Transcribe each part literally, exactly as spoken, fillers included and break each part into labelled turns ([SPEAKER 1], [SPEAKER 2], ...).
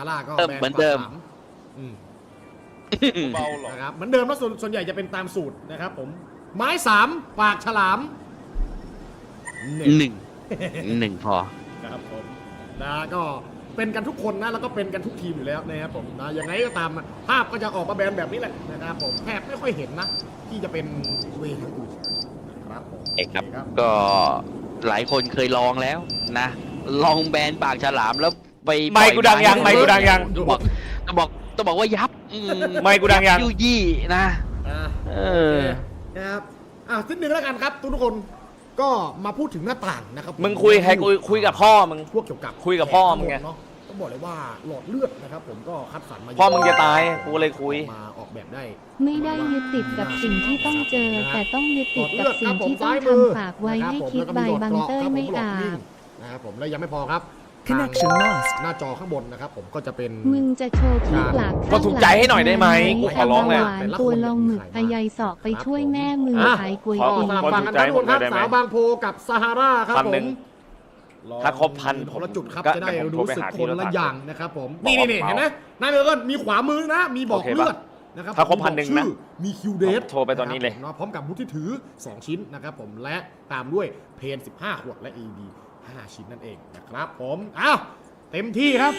[SPEAKER 1] ร่าก็แบน
[SPEAKER 2] เหมือนเดิม
[SPEAKER 1] ปากฉลามอืม
[SPEAKER 3] เบาหรอ
[SPEAKER 1] นะครับเหมือนเดิมแล้วส่วนส่วนใหญ่จะเป็นตามสูตรนะครับผมไม้สามปากฉลามหนึ่ง
[SPEAKER 2] หนึ่งหนึ่งพอ
[SPEAKER 1] ครับผมนะก็เป็นกันทุกคนนะแล้วก็เป็นกันทุกทีมอยู่แล้วนะครับผมนะยังไงก็ตามภาพก็จะออกมาแบนแบบนี้แหละนะครับผมแทบไม่ค่อยเห็นนะที่จะเป็นเวย์ทางอื่นนะครับผม
[SPEAKER 2] เอกครับ
[SPEAKER 1] โอเ
[SPEAKER 2] ก็หลายคนเคยลองแล้วนะ ลองแบนปากฉลามแล้วไป
[SPEAKER 3] ไมค์กูดังยังไมค์กูดังยัง
[SPEAKER 2] ต้องบอกต้องบอกต้องบอกว่ายับอื
[SPEAKER 3] ไมค์กูดังยัง
[SPEAKER 2] ยุยี่นะ
[SPEAKER 1] อ่า
[SPEAKER 2] เอ
[SPEAKER 1] โอ
[SPEAKER 2] อ
[SPEAKER 1] เคนะครับอ่ะสิ้นหนึ่งแล้วกันครับทุกทุกคนก็มาพูดถึงหน้าต่างนะครับ
[SPEAKER 3] มึงคุยใครคุยคุยกับพ่อมึง
[SPEAKER 1] พวกเกี่ยวกับ
[SPEAKER 3] คุยกับพ่อมึงไง
[SPEAKER 1] เนาะต้องบอกเลยว่าหลอดเลือดนะครับผมก็คัดสรรมาเย
[SPEAKER 3] พ่อมึงจะตายกูเลยคุย
[SPEAKER 1] มาออกแบบได้
[SPEAKER 4] ไม่ได้ยึดติดกับสิ่งที่ต้องเจอ แต่ต้องยึดติดกับสิ่งที่ต้อง
[SPEAKER 1] หลอดเลือดครับผม
[SPEAKER 4] ทำฝากไว้
[SPEAKER 1] ซ้ายมือ
[SPEAKER 4] ให้คิด
[SPEAKER 1] นะครับ
[SPEAKER 4] ใบ
[SPEAKER 1] ผม
[SPEAKER 4] บังเตอร์ไม่
[SPEAKER 1] แล้วก็
[SPEAKER 4] อา
[SPEAKER 1] หลดวิ่ง
[SPEAKER 4] บ
[SPEAKER 1] นะครับผมแล้วยังไม่พอครับ
[SPEAKER 5] Connection
[SPEAKER 1] ทาง
[SPEAKER 5] lost
[SPEAKER 1] หน้าจอข้างบนนะครับผมก็จะเป็น
[SPEAKER 4] มึงจะโชว์ขี้ปลาก
[SPEAKER 3] ก็ถูกใจให้หน่อยได้ไหมกูขอร้องเลย
[SPEAKER 4] หวานตัวลองหมึกอายายสอกไปช่วยแม่มือ
[SPEAKER 1] อ่ะ
[SPEAKER 4] ขายกล้วย
[SPEAKER 3] ขอ
[SPEAKER 1] ก็
[SPEAKER 4] ตี
[SPEAKER 1] สลับ
[SPEAKER 3] ขอ
[SPEAKER 1] ฝั่ง
[SPEAKER 3] ถู
[SPEAKER 1] กัน
[SPEAKER 3] กใจ
[SPEAKER 1] ทั้งหมดครับ
[SPEAKER 3] ผมได้ไหม
[SPEAKER 1] สาวบางโพกับซาฮาราครับ
[SPEAKER 3] พัน
[SPEAKER 1] ผ
[SPEAKER 3] หนึ่
[SPEAKER 1] ม
[SPEAKER 3] ง ถ้าครบพัน
[SPEAKER 1] คนละจุดครับ
[SPEAKER 3] ก็
[SPEAKER 1] จะได้
[SPEAKER 3] เดี๋ยวผมโทร
[SPEAKER 1] รู้
[SPEAKER 3] ไป
[SPEAKER 1] สึก
[SPEAKER 3] หา
[SPEAKER 1] ค
[SPEAKER 3] ที่
[SPEAKER 1] น
[SPEAKER 3] รถ
[SPEAKER 1] ละ
[SPEAKER 3] ถัง
[SPEAKER 1] อย่างนะครับผม
[SPEAKER 3] บอก
[SPEAKER 1] นี่
[SPEAKER 3] ว่า
[SPEAKER 1] นี่
[SPEAKER 3] เมา
[SPEAKER 1] เห็นไหมนายเบอร์เกิลมีขวามือนะ มีบอก
[SPEAKER 3] โอเค
[SPEAKER 1] เลื
[SPEAKER 3] ปะ
[SPEAKER 1] อดนะครับ
[SPEAKER 3] ถ้าครบ
[SPEAKER 1] มี
[SPEAKER 3] พันหนึ่ง
[SPEAKER 1] ชื่
[SPEAKER 3] นะ
[SPEAKER 1] อมีคิวเดท
[SPEAKER 3] โทรไปตอนนี้เลย
[SPEAKER 1] ะครับผมพร้อมกับบุตรที่ถือสองชิ้นนะครับผมและตามด้วยเพนสิบห้าขวดและ เอ ดี ห้าชิ้นนั่นเองนะครับผมอ้าวเต็มที่ครับ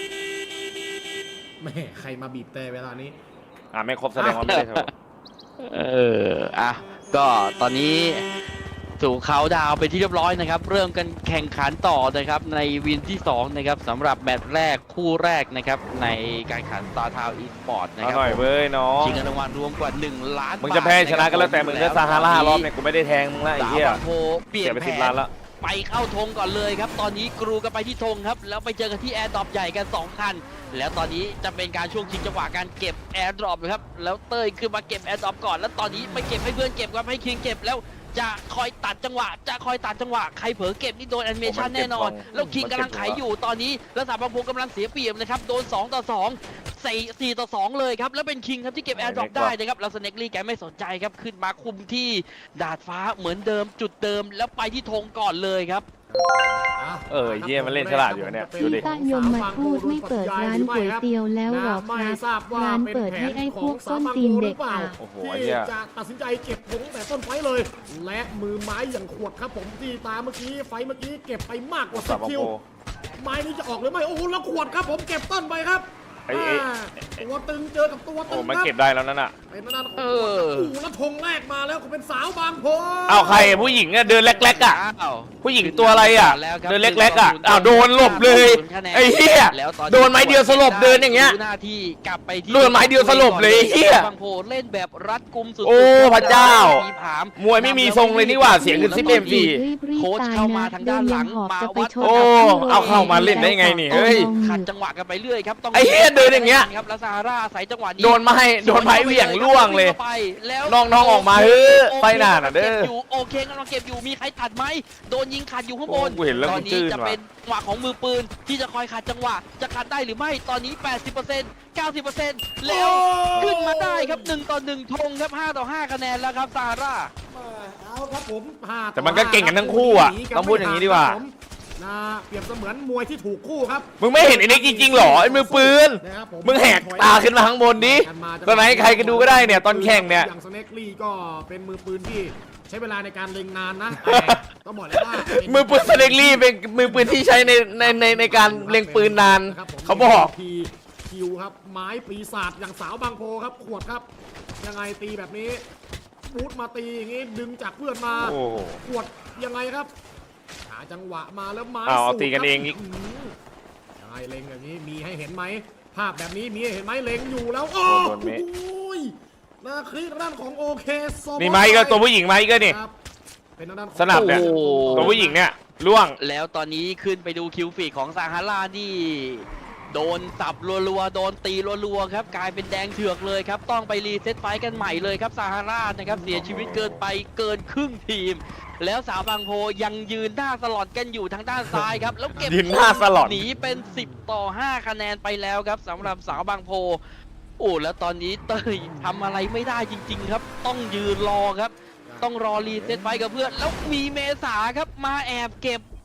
[SPEAKER 1] แม่ใครมาบีบแต่เวลานี้
[SPEAKER 3] อ่าไม่ครบแสดงว่าไม่ได้โทร
[SPEAKER 2] เออ อ่ะ ก็ตอนนี้สู่เขาดาวน์ไปที่เรียบร้อยนะครับ เริ่มกันแข่งขันต่อนะครับในวินที่สองนะครับสำหรับแมตช์แรกคู่แรกนะครับในการแข่งขัน Star Town Esports นะ
[SPEAKER 3] เอา
[SPEAKER 2] ครับ
[SPEAKER 3] หน่อยเว้ยน้อง
[SPEAKER 2] ชิงเงินรางวัลรวมกว่าหนึ่งล้านบาท
[SPEAKER 3] มึงจะแพ้ชนะก็แล้วแต่มึง
[SPEAKER 2] ะค
[SPEAKER 3] ก็
[SPEAKER 2] บ
[SPEAKER 3] ซาฮาร่า
[SPEAKER 2] ตนนี้
[SPEAKER 3] รอบเนี่ยกูไม่ได้แทงมึงละไอ้
[SPEAKER 2] สาว
[SPEAKER 3] เหี้ย
[SPEAKER 2] บางโพเปลี่ย
[SPEAKER 3] เสี
[SPEAKER 2] น
[SPEAKER 3] ยไป
[SPEAKER 2] แผ
[SPEAKER 3] สิบ
[SPEAKER 2] น
[SPEAKER 3] ล้านละ
[SPEAKER 2] ไปเข้าธงก่อนเลยครับ ตอนนี้กรูกันไปที่ธงครับ แล้วไปเจอกันที่แอร์ดรอปใหญ่กันสองคัน แล้วตอนนี้จะเป็นการช่วงชิงจังหวะการเก็บแอร์ดรอปนะครับ แล้วเต้ยขึ้นมาเก็บแอร์ดรอปก่อน แล้วตอนนี้ไปเก็บให้เพื่อนเก็บครับให้คิงเก็บแล้วจะคอยตัดจังหวะ จะคอยตัดจังหวะ ใครเผลอเก็บนี่โดนแอนิเมชันแน่นอน แล้วคิงกำลังไขอยู่ตอนนี้ แล้วสามบางพงกำลังเสียเปรียบนะครับ โดนสองต่อสองสี่ สี่ต่อสองเลยครับ แล้วเป็นคิงครับที่เก็บแอร์ดรอปได้นะครับ แล้วสเน็กลี่แกไม่สนใจครับ ขึ้นมาคุมที่ดาดฟ้าเหมือนเดิมจุดเดิม แล้วไปที่ธงก่อนเลยครับ
[SPEAKER 3] เออเหี้ยมันเล่นฉลาดอยู่เนี่ยดูดิ
[SPEAKER 4] ป้ายมมาพูดไม่เปิดร้านก๋วยเตี๋ยวแล้วหรอครับร้านเปิดให้ไอ้พวกส้นตีนเด็กอ่ะ
[SPEAKER 3] โอ้โห
[SPEAKER 1] ที่
[SPEAKER 3] เหี้ย
[SPEAKER 1] จะตัดสินใจเก็บธงแต่ต้นไฟเลย และมือไม้อย่างขวดครับผมที่ตามเมื่อกี้ไฟเมื่อกี้เก็บไปมากกว่าสิ
[SPEAKER 3] สา
[SPEAKER 1] บ
[SPEAKER 3] บาง
[SPEAKER 1] คิว
[SPEAKER 3] โพ
[SPEAKER 1] ไม้นี้จะออกหรือไม่โอ้โหแล้วขวดครับผมเก็บต้นไปครับ
[SPEAKER 3] ไอ้ไอ้
[SPEAKER 1] อ่าตัวตึงเจอกับตัวตึ
[SPEAKER 3] โอ้
[SPEAKER 1] ง
[SPEAKER 3] มัน
[SPEAKER 1] ครับ
[SPEAKER 3] เก็บได้แล้วนั่นน่ะ
[SPEAKER 1] เป็นหน้าของ
[SPEAKER 2] เอ
[SPEAKER 1] ขวด
[SPEAKER 2] อ
[SPEAKER 1] โอ้โหแล้วธงแรกมาแล้วก็เป็นสาวบางโพ
[SPEAKER 3] เอาใครผู้หญิงอะเดินเล็กๆอะ
[SPEAKER 2] อ้าว
[SPEAKER 3] ผู้หญิงตัวอะไรอะ
[SPEAKER 2] แล้วครับ
[SPEAKER 3] เดินเล็กๆอะอ้าวโดนหลบเลยไอ้เหี้ย
[SPEAKER 2] แล้วตอ
[SPEAKER 3] โดนไม้เดียวสลบเดินอย่างเงี้ย
[SPEAKER 2] ดูหน้าที่กลับไปที่
[SPEAKER 3] โดนไม้เดียวสลบเลยไอ้เหี้ย
[SPEAKER 2] บางโพเล่นแบบรัดกุมสุดๆ
[SPEAKER 3] โอ้พระเจ้า
[SPEAKER 2] มีผาม
[SPEAKER 3] มวยไม่มีทรงเลยนี่หว่าเสียงขึ้นซิปเอ็มซี
[SPEAKER 2] โค้ชเข้ามาทางด้านหลังมาวัด
[SPEAKER 3] โอ้เอาเข้ามาเล่นได้ไงนี่เฮ้ย
[SPEAKER 2] ขัดจังหวะกันไปเรื่อยครับต้อง
[SPEAKER 3] ไอ้เหี้ยเดินอย่างเงี้ย
[SPEAKER 2] ครับแล้วซาฮาร่าใส่จังหวะนี้
[SPEAKER 3] โดนไม้โดนไม้เหวี่ยงล่วงเลย
[SPEAKER 2] ไปแล้ว
[SPEAKER 3] น้องๆออกมาเฮ้ยไปหน้าน่ะเด้อ
[SPEAKER 2] ก็บยู่โอเคกำลังเก็บอยู่มีใครตัดไหมโดนยิงขัดอยู่ข้างบน
[SPEAKER 3] โอ้กูเห็นแล้ว
[SPEAKER 2] ตอ
[SPEAKER 3] กู
[SPEAKER 2] น
[SPEAKER 3] จื้
[SPEAKER 2] นี้
[SPEAKER 3] น
[SPEAKER 2] จะ
[SPEAKER 3] ว่ะ
[SPEAKER 2] เป็นจังหวะของมือปืนที่จะคอยขัดจังหวะจะขัดได้หรือไม่ตอนนี้ แปดสิบเปอร์เซ็นต์ เก้าสิบเปอร์เซ็นต์ แล้วขึ้นมาได้ครับหนึ่งต่อหนึ่งธงครับห้าต่อห้าคะแนนแล้วครับซาฮาร่า
[SPEAKER 1] เอาครับผมห้า
[SPEAKER 3] แต่มันก็เก่งกันทั้งคู่อะ
[SPEAKER 1] หนีน
[SPEAKER 3] ต้องพูดอย่างนี้ดีกว่า
[SPEAKER 1] ครับผมนะเปรียบเสมือนมวยที่ถูกคู่ครับ
[SPEAKER 3] มึงไม่เห็นไอ้นี่จริงๆหรอไอ้มือปืน
[SPEAKER 1] นะครับผ
[SPEAKER 3] มึงแหกตาขึ้นมาข้างบนดิตอนไหนใครก็ดูก็ได้เนี่ยตอนแข่งเนี่ย
[SPEAKER 1] อย่างสเน็กลี่ก็เป็นมือปืนที่ใช้เวลาในการเล็งนานนะแต่ต้องบอกเลยว่าเป็น
[SPEAKER 3] มือปืนสเล็กลี่เป็นมือปืนที่ใช้ในในในในการเล็งปืนนาน
[SPEAKER 1] ะครับผม
[SPEAKER 3] เขาบอก
[SPEAKER 1] ทีคิวครับไม้ปีศาจอย่างสาวบางโพครับขวดครับ ยังไงตีแบบนี้บูทมาตีอย่างงี้ดึงจากเพื่อนมา
[SPEAKER 3] โอ้โห
[SPEAKER 1] ขวดยังไงครับหาจังหวะมาแล้วไม้
[SPEAKER 3] เอาเอา
[SPEAKER 1] สู
[SPEAKER 3] ตีกันเองอีก
[SPEAKER 1] ครับหือยังไงเล็งอย่างนี้มีให้เห็นไหมภาพแบบนี้มีให้เห็นไหมเล็งอยู่แล้วโอ้
[SPEAKER 3] โดนเมฆ
[SPEAKER 1] โหนาคลิปด้านของโอเคโซบอ
[SPEAKER 3] นี่ไม้ก็ตัวผู้หญิงไม้ก็นี่
[SPEAKER 1] ครับเป็นทางด้านของ
[SPEAKER 3] สนับเนี่ย
[SPEAKER 2] โอ้โห
[SPEAKER 3] ตัวผู้หญิงเนี่ยล่วง
[SPEAKER 2] แล้วตอนนี้ขึ้นไปดูคิวฟีดของซาฮาร่านี่โดนสับรัวๆโดนตีรัวๆครับกลายเป็นแดงเถือกเลยครับต้องไปรีเซ็ตไฟต์กันใหม่เลยครับซาฮาร่านะครับเสียชีวิตเกินไปเกินครึ่งทีม แล้วสาวบางโพยังยืนหน้าสลอนกันอยู่ทางด้านซ้ายครับแล้วเก็บ
[SPEAKER 3] ยืนหน้าสลอน
[SPEAKER 2] หนีเป็นสิบต่อห้าคะแนนไปแล้วครับสำหรับสาวบางโพโอ้แล้วตอนนี้เต้ยทำอะไรไม่ได้จริงๆครับต้องยืนรอครับ ต้องรอรีเซ็ตไฟกับเพื่อนแล้วมีเมษาครับมาแอบเก็บ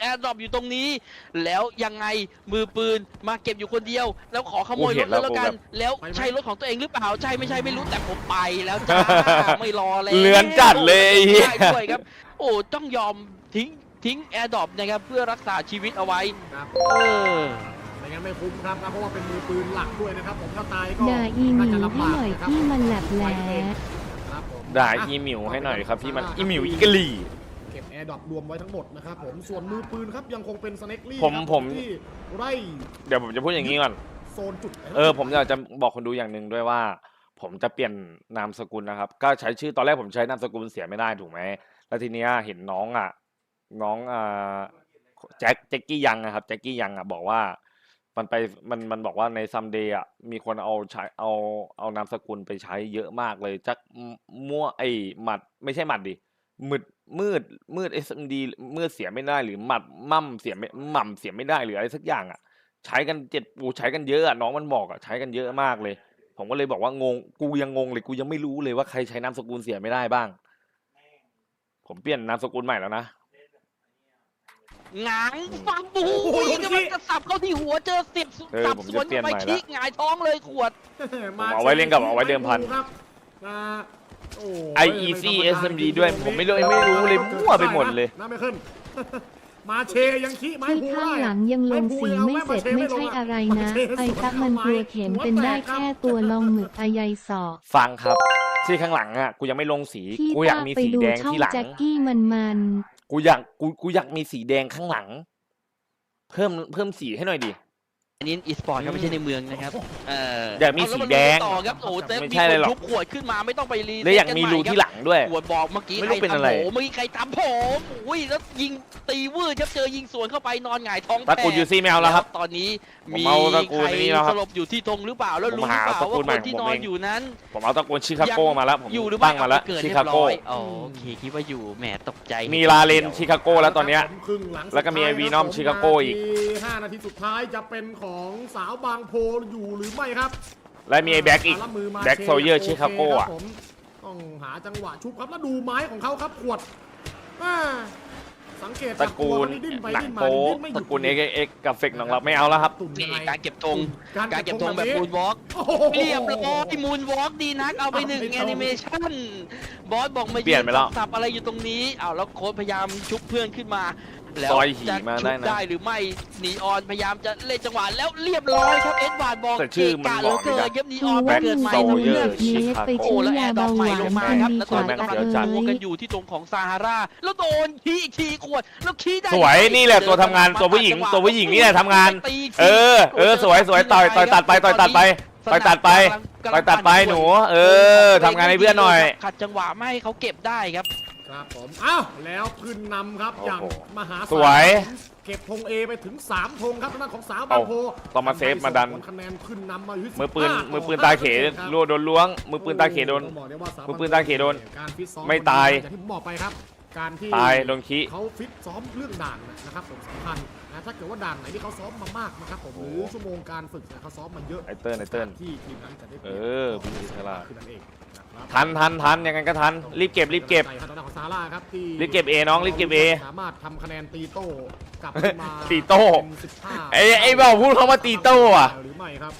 [SPEAKER 2] แอร์ดรอปอยู่ตรงนี้แล้วยังไงมือปืนมาเก็บอยู่คนเดียวแล้วขอขโมยรถเลยแล้วกันแล้วใช่รถของตัวเองหรือเปล่าใช่ไม่ใช่ไม่รู้แต่ผมไปแล้วจ้า ไม่รอแล้ว
[SPEAKER 3] เลือนจัดเลย
[SPEAKER 2] ได้ด้วยครับโอ้ต้องยอมทิ้งทิ้งแอร์ดรอปนะครับเพื่อรักษาชีวิตเอาไว้
[SPEAKER 1] ครับ
[SPEAKER 2] เออ
[SPEAKER 1] ไม่งั้นไม่คุ้มครับนะเพราะว่าเป็นมือปืนหลักด้วยนะครับผมถ้าตายก็
[SPEAKER 4] ด่าอีหมิ
[SPEAKER 1] น่าว จะลำ
[SPEAKER 4] ให้
[SPEAKER 1] บาก
[SPEAKER 4] หน่อย
[SPEAKER 1] นะครับ
[SPEAKER 4] ที่มันแหลบแหล
[SPEAKER 1] ครับผม
[SPEAKER 3] ด่าอีหมิวให้หน่อยครับพี่มันอีหมิวอีกะหลี่
[SPEAKER 1] เก็บแอร์ดรอปรวมไว้ทั้งหมดนะครับผมส่วนมือปืนครับยังคงเป็นสเน็กลี่
[SPEAKER 3] ผม
[SPEAKER 1] ครับ
[SPEAKER 3] ผม
[SPEAKER 1] ที่ไร่
[SPEAKER 3] เดี๋ยวผมจะพูดอย่างนี้ก่อน
[SPEAKER 1] โซนจุด
[SPEAKER 3] เออผมอยากจะบอกคนดูอย่างหนึ่งด้วยว่า ผมจะเปลี่ยนนามสกุลนะครับ ก็ใช้ชื่อตอนแรกผมใช้นามสกุลเสียไม่ได้ถูกไหมแล้วทีเนี้ยเห็นน้องอ่ะ น้องอ่าแจ็คแจ็คกี้ยังนะครับแจ็คกี้ยังอ่ะบอกว่า มันไปมันมันบอกว่าในซัมเดย์อ่ะมีคนเอาใช้เอาเอานามสกุลไปใช้เยอะมากเลยจักมั่วไอหมัดไม่ใช่หมัดดิมืดมืดมืดเอสเอ็มดีมืดเสียไม่ได้หรือหมัดมั่มเสียไม่หม่ำเสียไม่ได้หรืออะไรสักอย่างอ่ะ ใช้กันเจ็ดปูใช้กันเยอะอะน้องมันบอกอ่ะใช้กันเยอะมากเลย ผมก็เลยบอกว่างงกูยังงงเลยกูยังไม่รู้เลยว่าใครใช้นามสกุลเสียไม่ได้บ้าง ผมเปลี่ยนนามสกุลใหม่แล้วนะ
[SPEAKER 2] หงางฟังบูกำลังจะสับเข้าที่หัวเจอเสียบ
[SPEAKER 3] เออ
[SPEAKER 2] สับ
[SPEAKER 3] ผม
[SPEAKER 2] ส
[SPEAKER 3] จะ
[SPEAKER 2] วน
[SPEAKER 3] เปลี่ยน
[SPEAKER 2] ไป
[SPEAKER 3] ใหม่ละ
[SPEAKER 2] คิกหงายท้องเลยขวด
[SPEAKER 1] มา
[SPEAKER 3] เอาไว้เล่นกับเอาไว้เดิมพัน
[SPEAKER 1] ครับอ่าโอ้
[SPEAKER 3] ไอ อี ซี เอส เอ็ม ดี ด้วยผมไม่รู้ไม่รู้เลยมั่วไปหมดเลย
[SPEAKER 1] น่าไม่ขึ้น มาเชยังขี้ไม้
[SPEAKER 4] ที่
[SPEAKER 1] พู
[SPEAKER 4] ข้าง
[SPEAKER 1] ได้
[SPEAKER 4] หลังยังลงสีไม่เสร็จไม่ใช่อะไรนะไอ้ตักมันกลัวเข็มเป็นได้แค่ตัวลองหมึกอายายศอก
[SPEAKER 3] ฟังครับที่ข้างหลังอ่ะกูยังไม่ลงสี
[SPEAKER 4] ที่
[SPEAKER 3] กูอยาก
[SPEAKER 4] ป้า
[SPEAKER 3] มี
[SPEAKER 4] ไป
[SPEAKER 3] สี
[SPEAKER 4] ดู
[SPEAKER 3] แดง
[SPEAKER 4] ช่อง
[SPEAKER 3] ที่หลัง
[SPEAKER 4] แจ็คกี้มันมัน
[SPEAKER 3] กูอยากกูกูอยากมีสีแดงข้างหลัง เพิ่มเพิ่มสีให้หน่อยดิ
[SPEAKER 2] อันนี้อีสปอร์ตครับไม่ใช่ในเมืองนะครับเออ
[SPEAKER 3] อยากมีสีแดง
[SPEAKER 2] เอาล้วมาลุยต่อครับโอ้เซฟ
[SPEAKER 3] ไม่
[SPEAKER 2] มี
[SPEAKER 3] ใช่
[SPEAKER 2] ค
[SPEAKER 3] เลย
[SPEAKER 2] น
[SPEAKER 3] หรอก
[SPEAKER 2] ทุบขวดขึ้นมาไม่ต้องไปรี
[SPEAKER 3] และอยากมีรูที่หลังด้วย
[SPEAKER 2] ขวดบอกเมื่อกี้
[SPEAKER 3] ไม่
[SPEAKER 2] ใค
[SPEAKER 3] รู้
[SPEAKER 2] ร
[SPEAKER 3] เป็น
[SPEAKER 2] ทำ
[SPEAKER 3] อะไร
[SPEAKER 2] ผมเมื่อกี้ใครทำผมอุ้ยแล้วยิงตีวืดครับเจอยิงสวนเข้าไปนอนหงายท้อง
[SPEAKER 3] ตระกูลยูซี่ไม่เอาแล้วครับ
[SPEAKER 2] ตอนนี้
[SPEAKER 3] ผม
[SPEAKER 2] มี
[SPEAKER 3] เอาตระกู
[SPEAKER 2] ใค
[SPEAKER 3] ล
[SPEAKER 2] ร
[SPEAKER 3] นี้แล้วค
[SPEAKER 2] ส
[SPEAKER 3] รับ
[SPEAKER 2] ลบอยู่ที่ธงหรือเปล่าแล้ว
[SPEAKER 3] ผม
[SPEAKER 2] รู้หรือ
[SPEAKER 3] หา
[SPEAKER 2] เปล่า
[SPEAKER 3] ตระกู
[SPEAKER 2] ว่า
[SPEAKER 3] ลใหม่
[SPEAKER 2] คนที่
[SPEAKER 3] ของ
[SPEAKER 2] น
[SPEAKER 3] ผม
[SPEAKER 2] อน
[SPEAKER 3] เอง
[SPEAKER 2] อยู่นั้น
[SPEAKER 3] ผมเอาตระกูลชิคาโกมาแล้วผม
[SPEAKER 2] อยู่หรือ
[SPEAKER 3] ตั้
[SPEAKER 2] ไม่
[SPEAKER 3] งมาแล้ว
[SPEAKER 2] เกิด
[SPEAKER 3] ชิ
[SPEAKER 2] เรีย
[SPEAKER 3] คา
[SPEAKER 2] บ
[SPEAKER 3] โก
[SPEAKER 2] ร้อยอ๋อโอเคคิดว่าอยู่แหมตกใจ
[SPEAKER 3] มีลาเลนชิคาโกแล้วตอนเนี้ย
[SPEAKER 1] ครับผมครึ่งหง
[SPEAKER 3] แล้วก็มีไอ้
[SPEAKER 1] สุดท้าย
[SPEAKER 3] วีนอม
[SPEAKER 1] ครับผ
[SPEAKER 3] ชิคาโกอีก
[SPEAKER 1] นาทีห้านาทีสุดท้ายจะเป็นของสาวบางโพอยู่หรือไม่ครับ
[SPEAKER 3] และมีไอ้แบ็กอีก
[SPEAKER 1] รับมือมา
[SPEAKER 3] แบ็ก
[SPEAKER 1] ช
[SPEAKER 3] โซเยอร์
[SPEAKER 1] โ
[SPEAKER 3] ชิคาโก
[SPEAKER 1] ค
[SPEAKER 3] อ่ะ
[SPEAKER 1] รับผมต้องหาจังหวะชุบครับแล้วดูไม้ของเขาครับขวดอ่าสังเกต
[SPEAKER 3] ตระกูล
[SPEAKER 1] จากตัวมันนี่ดิ้นไป
[SPEAKER 3] หนัง
[SPEAKER 1] ดิ้นมา
[SPEAKER 3] โป๊
[SPEAKER 1] ดิ้นไม่ห
[SPEAKER 3] ต
[SPEAKER 1] ยุด
[SPEAKER 3] ระกูลเอ็กเอ็กกับเฟกน้องเราไม่เอาแล้วครับ
[SPEAKER 1] ตุ่นยั
[SPEAKER 2] นี่
[SPEAKER 1] งไง
[SPEAKER 2] การเก็บธง
[SPEAKER 1] การ
[SPEAKER 2] การ
[SPEAKER 1] เก็
[SPEAKER 2] เก็
[SPEAKER 1] บบ ธ
[SPEAKER 2] ธ
[SPEAKER 1] ง
[SPEAKER 2] ง
[SPEAKER 1] แบ
[SPEAKER 2] แบบ บ
[SPEAKER 1] นี้
[SPEAKER 2] มูนวอล์ก
[SPEAKER 1] โอ้โห
[SPEAKER 2] เรียบร้อยมูนวอล์กดีนักเอาไปหนึ่ง
[SPEAKER 1] เอาไป
[SPEAKER 2] แอนิเมชันบอสบอกมา
[SPEAKER 3] เปลี่ยนไปแล้ว
[SPEAKER 2] สับอะไรอยู่ตรงนี้อ้าวแล้วโค้ชพยายามชุบเพื่อนขึ้นมาแล้ว
[SPEAKER 3] ซอยหี่
[SPEAKER 2] จะ
[SPEAKER 3] มา
[SPEAKER 2] ชุ
[SPEAKER 3] ได้
[SPEAKER 2] บ
[SPEAKER 3] นะ
[SPEAKER 2] ได้หรือไม่นีออนพยายามจะเล่นจังหวะแล้วเรียบร้อยครับเอ็ดวาร์ดบอก
[SPEAKER 3] แต่ชื่อมัน
[SPEAKER 2] เกะ
[SPEAKER 3] บอก
[SPEAKER 2] เหลือ
[SPEAKER 3] ไม่
[SPEAKER 2] เกิ
[SPEAKER 3] ได้
[SPEAKER 2] นเย็บนีอ
[SPEAKER 4] กู
[SPEAKER 2] อน
[SPEAKER 4] ว่า
[SPEAKER 2] เกิ
[SPEAKER 4] มึ
[SPEAKER 2] ด
[SPEAKER 4] ง
[SPEAKER 2] ใหม่
[SPEAKER 4] ไป
[SPEAKER 3] โซ
[SPEAKER 4] ดู
[SPEAKER 3] เยอ
[SPEAKER 4] เลื
[SPEAKER 3] ร์
[SPEAKER 4] อดเนสไป
[SPEAKER 2] โอ้
[SPEAKER 4] ซื้อ
[SPEAKER 2] แล้วแอย
[SPEAKER 4] า
[SPEAKER 2] ร์ดร
[SPEAKER 4] เบา
[SPEAKER 2] อป
[SPEAKER 4] ห
[SPEAKER 2] ใหม่
[SPEAKER 4] วาน
[SPEAKER 2] ลงมา
[SPEAKER 4] กัน
[SPEAKER 2] ครับ
[SPEAKER 4] ดี
[SPEAKER 2] แล้ว
[SPEAKER 4] ก
[SPEAKER 2] ตอ
[SPEAKER 4] ว่าน
[SPEAKER 2] นี้
[SPEAKER 4] ตะ
[SPEAKER 2] กำลัง
[SPEAKER 4] เอ้
[SPEAKER 2] ตัวย กันอยู่ที่ตรงของซาฮาราแล้วโดนขี้อีกทีขวดแล้วขี้ได้
[SPEAKER 3] สวยนี่แหละตัวทำงานตัวผู้หญิงตัวผู้หญิงนี่แหละทำงาน เออเออสวยสวยต่อยต่อยตัดไปต่อยตัดไปต่อยตัดไปต่อยตัดไปหนู เออทำงานให้เพื่อนหน่อย
[SPEAKER 2] ขัดจังหวะไม่ให้เขาเก็บได้ครับ
[SPEAKER 1] ครับผมอ้าวแล้วขึ้นนำครับอย่าง
[SPEAKER 3] โอ้โห
[SPEAKER 1] มหาศาล
[SPEAKER 3] สวย
[SPEAKER 1] เก็บธงเอไปถึงสามธงครับทางด้านของสาวบางโพ
[SPEAKER 3] เอาต้องมาเซฟมาดัน
[SPEAKER 1] ผลคะแนนขึ้นนำมาอยู่ที่
[SPEAKER 3] มือปืน
[SPEAKER 1] สิบห้า
[SPEAKER 3] มือปืนตาเข
[SPEAKER 1] ครับ
[SPEAKER 3] รัวโดนล้วง มือปืนตาเขโดน
[SPEAKER 1] ต้องบอกได้ว่าสว
[SPEAKER 3] มือปืนตาเขโดน
[SPEAKER 1] การฟิตซ้อม
[SPEAKER 3] ไม่ตาย
[SPEAKER 1] อย่างที่ผมบอกไปครับ การที่
[SPEAKER 3] ตายโดนขี้
[SPEAKER 1] เขาฟิตซ้อมเรื่องด่านนะครับผมสำคัญนะถ้าเกิดว่าด่านไหนที่เขาซ้อมมามากนะครับผมหรือชั่วโมงการฝึกเนี่ยเขาซ้อมมาเยอะ
[SPEAKER 3] ไอเติ้ลไอเติ้ล
[SPEAKER 1] ที่ทีมนั้นจะได้ป
[SPEAKER 3] เอ
[SPEAKER 1] รียบ
[SPEAKER 3] อพี่ฉลาด
[SPEAKER 1] คือนั่นเองนะครับ
[SPEAKER 3] ทันทันทันยังไงก็ทัน รีบเก็บรีบเก็บ
[SPEAKER 1] ทางด้านของซาร่าครับที่
[SPEAKER 3] รีบเก็บ A น้องรีบเก็บ A
[SPEAKER 1] สามารถทำคะแนนตีโต้กลับขึ้นมา
[SPEAKER 3] ตีโต้
[SPEAKER 1] เป็นสิบห้า
[SPEAKER 3] ไอ้ไอ้บอกพูดเขาว่าตีโต้อะ
[SPEAKER 1] หรือไม่ครับ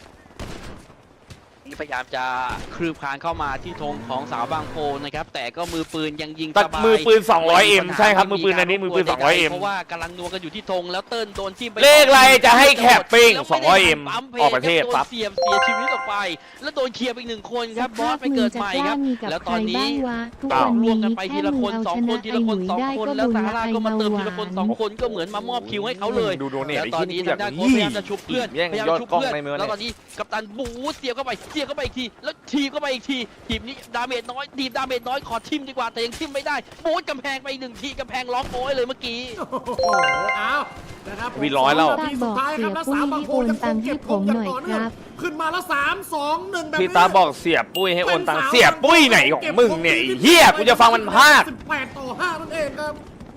[SPEAKER 2] พยายามจะคลืบคลานเข้ามาที่ธงของสาวบางโพนะครับแต่ก็มือปืนยังยิง
[SPEAKER 3] ตั
[SPEAKER 2] ส
[SPEAKER 3] ด
[SPEAKER 2] บาย
[SPEAKER 3] มือปืน สองร้อยเอ็ม
[SPEAKER 2] ไปัญหา
[SPEAKER 3] ใช่ครับ
[SPEAKER 2] ไ
[SPEAKER 3] มือปืนอันนี้มือปืน สองร้อยเอ็ม
[SPEAKER 2] เพราะว่ากำลังนัวกันอยู่ที่ธงแล้วเติ้ลโดนจิ้มไป
[SPEAKER 3] เลขอะไรจะให้แคปปิ้ง
[SPEAKER 2] แล้ว
[SPEAKER 3] สองร้อยเอ็ม
[SPEAKER 2] ปั๊มพ
[SPEAKER 3] ออกประเทศ
[SPEAKER 2] โดน
[SPEAKER 3] ปั๊บ
[SPEAKER 2] เสียบเสียชีวิตออกไป แล้วโดนเคลียร์ไปอีกหนึ่งคนครับบอสไปเกิดใหม่ครับ แล้วตอนนี้
[SPEAKER 4] ทุกวัน
[SPEAKER 2] ร่ว
[SPEAKER 4] นี้
[SPEAKER 2] มกันไปที
[SPEAKER 4] แค่
[SPEAKER 2] ละ
[SPEAKER 4] มึ
[SPEAKER 2] ค
[SPEAKER 4] ง
[SPEAKER 2] น
[SPEAKER 4] เอา
[SPEAKER 2] สอง
[SPEAKER 4] ช
[SPEAKER 2] ค
[SPEAKER 4] นะ
[SPEAKER 2] นที
[SPEAKER 4] ไอ้
[SPEAKER 2] ละ
[SPEAKER 4] ห
[SPEAKER 2] ค
[SPEAKER 4] ลุ
[SPEAKER 2] น
[SPEAKER 4] ย
[SPEAKER 2] สอง
[SPEAKER 4] ได้
[SPEAKER 2] คน
[SPEAKER 4] ก็
[SPEAKER 2] แล้ว
[SPEAKER 4] บุญ
[SPEAKER 2] ซา
[SPEAKER 4] ละ
[SPEAKER 2] ร่า
[SPEAKER 4] ไอ้
[SPEAKER 2] ก็มา
[SPEAKER 4] เบา
[SPEAKER 2] เติม
[SPEAKER 4] ห
[SPEAKER 2] ที
[SPEAKER 4] วา
[SPEAKER 2] ละคน
[SPEAKER 4] น
[SPEAKER 2] สองคนก็เหมือนมามอบคิวให้เขาเลย
[SPEAKER 3] ดูโดเนท
[SPEAKER 2] แล้วตอนนี้ทางด้านโค้ชพยายามจะชุบเพื่อน
[SPEAKER 3] แย่ง
[SPEAKER 2] พยายาม
[SPEAKER 3] ยอด
[SPEAKER 2] ชุบ
[SPEAKER 3] กล้อง
[SPEAKER 2] เพื่อน
[SPEAKER 3] ในมือ
[SPEAKER 2] แล้วตอนนี้กัปตันบูเสียบเข้าไปเสียบเข้าไปอีกทีแล้วทีบเข้าไปอีกทีทีมนี้ดาเมจน้อยทีมดาเมจน้อยขอทิมดีกว่าแต่ยังทิมไม่ได้บูทกำแพงไปอีกหนึ่งทีกำแพงร้องโอยเลยเมื่อกี้
[SPEAKER 1] โอ้โหเอานะครับ
[SPEAKER 3] วีร้อยแล้ว
[SPEAKER 1] นาทีสุดท้ายครับแล้วสามบางโพยังคงเก็บธงอย่างต่อเนื่องขึ้นมาแล้วสามสองหนึ่งแบบนี้
[SPEAKER 3] พี่ตาบอกเสียปุ้ยให้โอนตังค์เสียปุ้ยไหนของมึงเนี่ยไอ้เหี้ยกูจะฟังมันพาก
[SPEAKER 1] สิบแปดต่อห้านั่นเองครับโอ้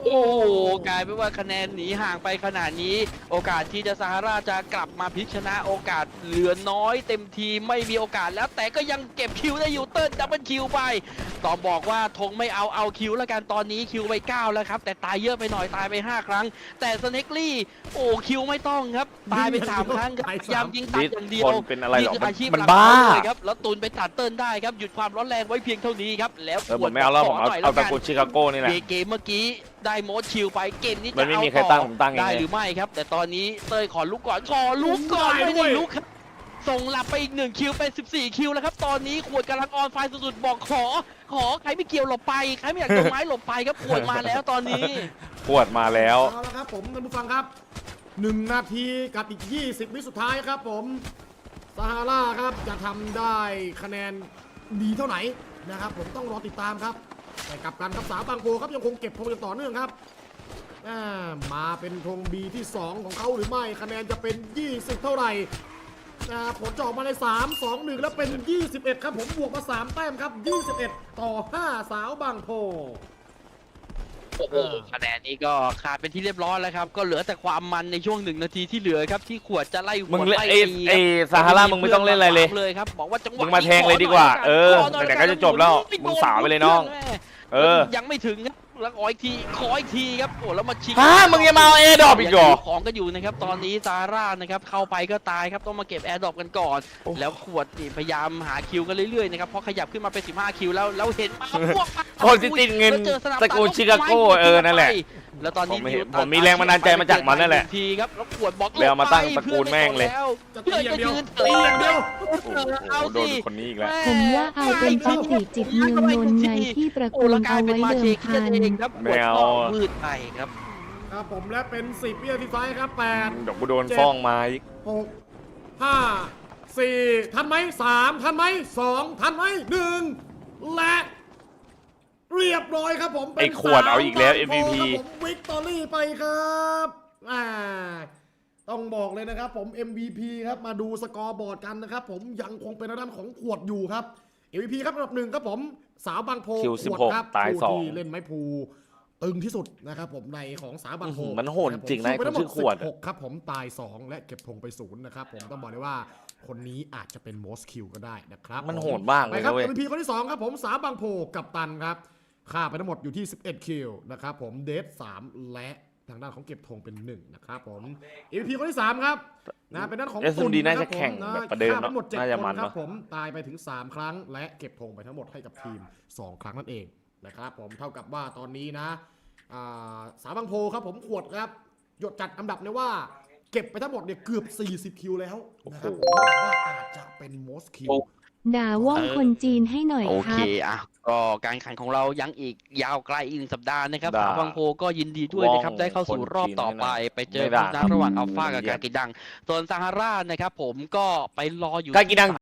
[SPEAKER 2] โอ้โหกลายเป็นว่าคะแนนหนีห่างไปขนาดนี้ โอกาสที่จะซาฮาราจะกลับมาพลิกชนะโอกาสเหลือน้อยเต็มทีไม่มีโอกาสแล้วแต่ก็ยังเก็บคิวได้อยู่เติ้ลดับเบิลคิวไปต้องบอกว่าธงไม่เอาเอาคิวแล้วกันตอนนี้คิวไปเก้าแล้วครับแต่ตายเยอะไปหน่อยตายไปห้าครั้ง แต่สเน็กลี่โอ้คิวไม่ต้องครับตายไปสามครั้งครับพยายามยิงตัดอย่างเดียว
[SPEAKER 3] คนเป็นอะไรหรอ
[SPEAKER 2] นี่คืออาชีพ
[SPEAKER 3] มัน
[SPEAKER 2] หลัก
[SPEAKER 3] บ้า
[SPEAKER 2] ของเขาเลยครับแล้วตูนไปตัดเติ้ลได้ครับหยุดความร้อนแรงไว้เพียงเท่านี้ครับแล้ว
[SPEAKER 3] เออผมไม่เอาแล้วผมเอา
[SPEAKER 2] หน่ย
[SPEAKER 3] เอา
[SPEAKER 2] กั
[SPEAKER 3] ตระกูลชิคาโก้นี่แหละ
[SPEAKER 2] เกมเมื่อกี้ได้โมดชิลไปเกมนี้
[SPEAKER 3] มั
[SPEAKER 2] จะ
[SPEAKER 3] นไม่
[SPEAKER 2] เอา
[SPEAKER 3] มีใคร
[SPEAKER 2] ต่
[SPEAKER 3] ตั้ง
[SPEAKER 2] อ
[SPEAKER 3] ผมตั้งเอง
[SPEAKER 2] ได้
[SPEAKER 3] เลย
[SPEAKER 2] หรือไม่ครับ แต่ตอนนี้เต้ยขอลุกก่อนขอลุกก่อน
[SPEAKER 1] ได้
[SPEAKER 2] ไม่
[SPEAKER 1] ด้
[SPEAKER 2] ได้
[SPEAKER 1] วย
[SPEAKER 2] ลุกครับส่งหลับไปอีกหนึ่งคิวเป็นสิบสี่คิวแล้วครับตอนนี้ขวดกำลังออนไฟสุดๆบอกขอ ขอใครไม่เกี่ยวหลบไปใครไม่อยากโดนไม้หลบไปครับขวดมาแล้วตอนนี้
[SPEAKER 3] ปวดมาแล้ว
[SPEAKER 1] เอาละครับผมท่านผู้ฟังครับหนึ่งนาทีกับอีกยี่สิบวิสุดท้ายครับผมซาฮาราครับจะทำได้คะแนนดีเท่าไหร่นะครับผมต้องรอติดตามครับแต่กลับกันครับสาวบางโพครับยังคงเก็บธงอย่างต่อเนื่องครับอ่ามาเป็นธง B ที่สองของเขาหรือไม่คะแนนจะเป็นยี่สิบเท่าไหร่อ่าผลจะออกมาในสาม สอง หนึ่งแล้วเป็นยี่สิบเอ็ดครับผมบวกมาสามแต้มครับยี่สิบเอ็ดต่อห้าสาวบางโพ
[SPEAKER 2] โอ้โหคะแนนนี้ก็ขาดเป็นที่เรียบร้อยแล้วครับก็เหลือแต่ความมันในช่วงหนึ่งนาทีที่เหลือครับที่ขวดจะไล่หั
[SPEAKER 3] มึง
[SPEAKER 2] ว
[SPEAKER 3] เล่น
[SPEAKER 2] ไล่
[SPEAKER 3] ไอ้
[SPEAKER 2] ตี
[SPEAKER 3] ไอ้
[SPEAKER 2] ครับ
[SPEAKER 3] ซาฮารามึงไม่ต้องเล่นอะไรเลย
[SPEAKER 2] เลยครับบอกว่าจังหวะ
[SPEAKER 3] มึงมาแทงเลยดีกว่าเออไหนๆก็จะจบแล้วมึงสาวไปเลยน้อง เออ
[SPEAKER 2] ยังไม่ถึงครับแล้วขออีกทีขออีกทีครับโอ้แล้วมาชิง
[SPEAKER 3] ฮะมึงยังมาเอา Airdrop อีกเหรอ
[SPEAKER 2] ยังมีของกันอยู่นะครับตอนนี้ซาร่านะครับเข้าไปก็ตายครับต้องมาเก็บแอร์ดรอปกันก่อน
[SPEAKER 3] โอ้
[SPEAKER 2] แล้วขวดนี่พยายามหาคิวกันเรื่อยๆนะครับเพราะขยับขึ้นมาเป็นสิบห้าคิวแล้วแล้วเห็นมาพวก
[SPEAKER 3] คนที่ติดเงิน
[SPEAKER 2] แล้วจอสนับ
[SPEAKER 3] ตระกูลชิคาโก้เออนั่นแหละ
[SPEAKER 2] แล้วตอนนี้
[SPEAKER 3] ผมไม่เห็น
[SPEAKER 2] ดิวตัด
[SPEAKER 3] ผมมีแรงบันดาลใจมาจากมันนั่นแหละ
[SPEAKER 2] ทีครับแล้วขวดบอก
[SPEAKER 3] เลยเอามาตั้งตระกูลแม่งเลย
[SPEAKER 1] จะ
[SPEAKER 2] เพื่
[SPEAKER 1] ตี
[SPEAKER 2] อน
[SPEAKER 1] อย่า
[SPEAKER 2] จะ
[SPEAKER 1] งเดียว
[SPEAKER 2] ยืน
[SPEAKER 1] ตีอย่างเดียว
[SPEAKER 2] เออเอา
[SPEAKER 3] โดน
[SPEAKER 2] สิ
[SPEAKER 3] คนนี้อีกแล้ว
[SPEAKER 4] ผมว่าเอาเป็นปาติจิตเมืองนนท์ไงที่ประ
[SPEAKER 2] โอ้
[SPEAKER 4] กูล
[SPEAKER 2] แล้วกลา
[SPEAKER 4] เอา
[SPEAKER 2] ยเป็น
[SPEAKER 4] ไว้
[SPEAKER 2] มา
[SPEAKER 4] เดิ
[SPEAKER 2] เช
[SPEAKER 4] ม
[SPEAKER 2] คิ
[SPEAKER 4] พัน
[SPEAKER 2] เองครับ
[SPEAKER 3] ไม่เอา
[SPEAKER 2] ขวดก็มืดไปครับ
[SPEAKER 1] ครับผมและเป็นสิบวินาทีท้ายครับแปด
[SPEAKER 3] เดี๋ยวกูโดนฟ้องมาอีก
[SPEAKER 1] หกห้าสี่ทันไหมสามทันไหมสองทันไหมหนึ่งและเรียบร้อยครับผมเป็น
[SPEAKER 3] ไอ้ขวดเอาอีกแล้ว
[SPEAKER 1] สาม
[SPEAKER 3] เอ็ม วี พี
[SPEAKER 1] ครับผมวิกตอรี่ไปครับอ่าต้องบอกเลยนะครับผม เอ็ม วี พี ครับมาดูสกอร์บอร์ดกันนะครับผมยังคงเป็นด้านของขวดอยู่ครับ เอ็ม วี พี ครับอันดับหนึ่งครับผมสาวบางโพ
[SPEAKER 3] คิว
[SPEAKER 1] ข
[SPEAKER 3] สิบ
[SPEAKER 1] วด
[SPEAKER 3] หก
[SPEAKER 1] ครับ
[SPEAKER 3] ตาย
[SPEAKER 1] ผู้
[SPEAKER 3] สอง
[SPEAKER 1] ที่เล่นไม้พูตึงที่สุดนะครับผมในของสาวบางโพ
[SPEAKER 3] อื้อหือมันโหดจริงนะ
[SPEAKER 1] สู้ไปทั้งหม
[SPEAKER 3] คนชื่
[SPEAKER 1] ด
[SPEAKER 3] อขวด
[SPEAKER 1] สิบหกครับผมตายสองและเก็บธงไปศูนย์นะครับผมต้องบอกเลยว่าคนนี้อาจจะเป็น most kill ก็ได้นะครับ
[SPEAKER 3] มัน
[SPEAKER 1] ผ
[SPEAKER 3] โหดมากเล
[SPEAKER 1] ไป
[SPEAKER 3] ย
[SPEAKER 1] ครับ
[SPEAKER 3] นะเว้ย
[SPEAKER 1] เอ็ม วี พี คนที่สองครับผมสาวบางโพกับตันครับค่าไปทั้งหมดอยู่ที่สิบเอ็ดคิวนะครับผมเดทสามและทางด้านของเก็บธงเป็นหนึ่งนะครับผม เอ็ม วี พี คนที่สามครับนะเป็นด้านของ
[SPEAKER 3] เอส เอ็ม ดี
[SPEAKER 1] ตุล
[SPEAKER 3] น่า
[SPEAKER 1] ค
[SPEAKER 3] จะ
[SPEAKER 1] รับ
[SPEAKER 3] แข่ง
[SPEAKER 1] ผม
[SPEAKER 3] แบบประเดิม
[SPEAKER 1] ฆ่าไปทั้งหมดเจ็ด
[SPEAKER 3] น่าจะ
[SPEAKER 1] ค
[SPEAKER 3] มัน
[SPEAKER 1] นครั
[SPEAKER 3] เน
[SPEAKER 1] บ
[SPEAKER 3] อะ
[SPEAKER 1] ผมตายไปถึงสามครั้ง และเก็บธงไปทั้งหมดให้กับทีมสองครั้งนั่นเองนะครับผมเท่ากับว่าตอนนี้นะอ่าสาวบางโพครับผมขวดครับหยดจัดอันดับเลยว่าเก็บไปทั้งหมดเนี่ยเกือบสี่สิบคิวแล้วนะครับผมว่าอาจจะเป็น most kill
[SPEAKER 4] ด่าว่องคนจีนให้หน่อย
[SPEAKER 2] โอ
[SPEAKER 4] ค
[SPEAKER 2] เค
[SPEAKER 4] รับ
[SPEAKER 2] อ่ะก็การแข่งขันของเรายังอีกยาวไกลอีกหนึ่งสัปดาห์นะครับ
[SPEAKER 3] ด่า
[SPEAKER 2] สาวบางโพก็ยินดีด้วยนะครับ
[SPEAKER 3] ว่อง
[SPEAKER 2] ได้เข้าสู่รอบต่อไป
[SPEAKER 3] คนจีน
[SPEAKER 2] ไปเจอ
[SPEAKER 3] ไม่ด่า
[SPEAKER 2] คู่นัดระหว่างอัลฟากับ
[SPEAKER 3] เยี่ยม
[SPEAKER 2] กากิดัง ส่วนซาฮารานะครับผมก็ไปรออยู่
[SPEAKER 3] กากิดัง